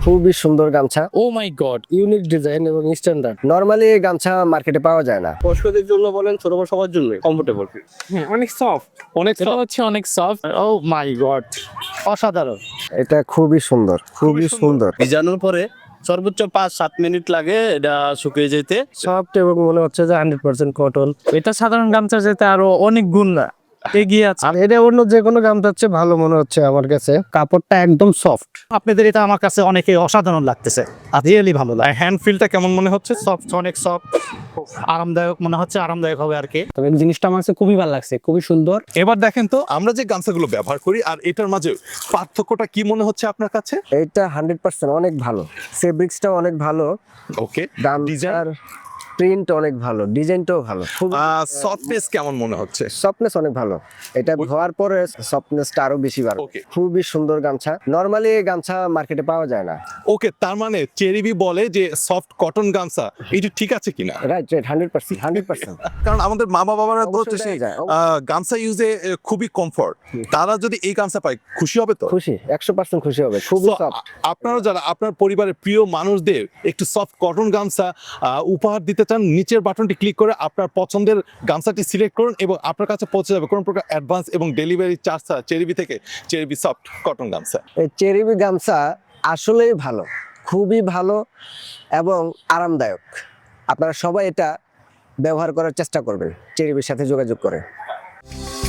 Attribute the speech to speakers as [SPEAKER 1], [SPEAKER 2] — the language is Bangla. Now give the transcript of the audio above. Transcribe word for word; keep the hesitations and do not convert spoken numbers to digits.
[SPEAKER 1] খুবই সুন্দর গামছা,
[SPEAKER 2] oh my god,
[SPEAKER 1] unique design এবং স্ট্যান্ডার্ড। নরমালি এই গামছা মার্কেটে পাওয়া যায় না।
[SPEAKER 3] বয়স্কদের জন্য বলেন, ছোট বড় সবার জন্য কমফোর্টেবল।
[SPEAKER 2] হ্যাঁ অনেক সফট,
[SPEAKER 3] অনেক
[SPEAKER 2] এটা হচ্ছে অনেক সফট। ও মাই গড, অসাধারণ।
[SPEAKER 1] এটা খুবই সুন্দর, খুবই সুন্দর,
[SPEAKER 3] ভিজানোর পরে সর্বোচ্চ পাঁচ সাত মিনিট লাগে এটা শুকিয়ে যেতে।
[SPEAKER 1] সফট এবং মনে হচ্ছে যে হান্ড্রেড পার্সেন্ট কটন।
[SPEAKER 2] এটা সাধারণ গামছা যেতে আরো অনেক গুণ না এগিয়ে আছে।
[SPEAKER 1] আর এটা অন্য যে কোনো গামছা হচ্ছে ভালো মনে হচ্ছে আমার কাছে। কাপড়টা একদম সফট।
[SPEAKER 4] আপনাদের এটা আমার কাছে অনেকে অসাধারণ লাগতেছে, আর রিয়েলি ভালো লাগে।
[SPEAKER 5] হ্যান্ড ফিলটা কেমন মনে হচ্ছে?
[SPEAKER 4] সফট, অনেক সফট, আরামদায়ক মনে হচ্ছে, আরামদায়ক হবে আর কি।
[SPEAKER 1] তবে জিনিসটা আমার কাছে খুবই ভালো লাগছে, খুবই সুন্দর।
[SPEAKER 5] এবার দেখেন তো আমরা যে গামছাগুলো ব্যবহার করি আর এটার মাঝে পার্থক্যটা কি মনে হচ্ছে আপনার কাছে?
[SPEAKER 1] এইটা হান্ড্রেড পার্সেন্ট অনেক ভালো, ফেব্রিক্সটাও অনেক ভালো,
[SPEAKER 5] ওকে,
[SPEAKER 1] গামছার প্রিন্ট অনেক ভালো, ডিজাইনটাও ভালো, খুব
[SPEAKER 5] সফটনেস কেমন মনে হচ্ছে?
[SPEAKER 1] সফটনেস অনেক ভালো। এটা ধোয়ার পরে সফটনেসটা আরো বেশি বাড়ে।
[SPEAKER 5] Okay.
[SPEAKER 1] খুবই সুন্দর গামছা। নরমালি এই গামছা মার্কেটে পাওয়া যায় না।
[SPEAKER 5] ওকে, তার মানে চেরিবি বলে যে সফট কটন গামছা, এটা ঠিক আছে কিনা?
[SPEAKER 1] Right right hundred percent hundred percent
[SPEAKER 5] কারণ আমাদের মা বাবারা তো
[SPEAKER 1] অবশ্যই
[SPEAKER 5] হচ্ছে সেই,
[SPEAKER 1] দেয়া যায়।
[SPEAKER 5] আহ, গামছা ইউজে খুবই কমফর্ট, তারা যদি এই গামছা পায় খুশি হবে তো?
[SPEAKER 1] খুশি, একশো পার্সেন্ট খুশি হবে। খুবই
[SPEAKER 5] So,
[SPEAKER 1] সফট।
[SPEAKER 5] আ- আপনারা যারা আপনার পরিবারের প্রিয় মানুষদের একটু সফট কটন গামছা আহ, উপহার দিতে চান, নিচের বাটনটি ক্লিক করে আপনার পছন্দের গামছাটি সিলেক্ট করুন এবং আপনার কাছে পৌঁছে যাবে কোনো প্রকার অ্যাডভান্স এবং ডেলিভারি চার্জ ছাড়া চেরিবি থেকে চেরিবি সফট কটন গামছা।
[SPEAKER 1] এই চেরিবি গামছা আসলেই ভালো, খুবই ভালো এবং আরামদায়ক। আপনারা সবাই এটা ব্যবহার করার চেষ্টা করবেন চেরিবির সাথে যোগাযোগ করে।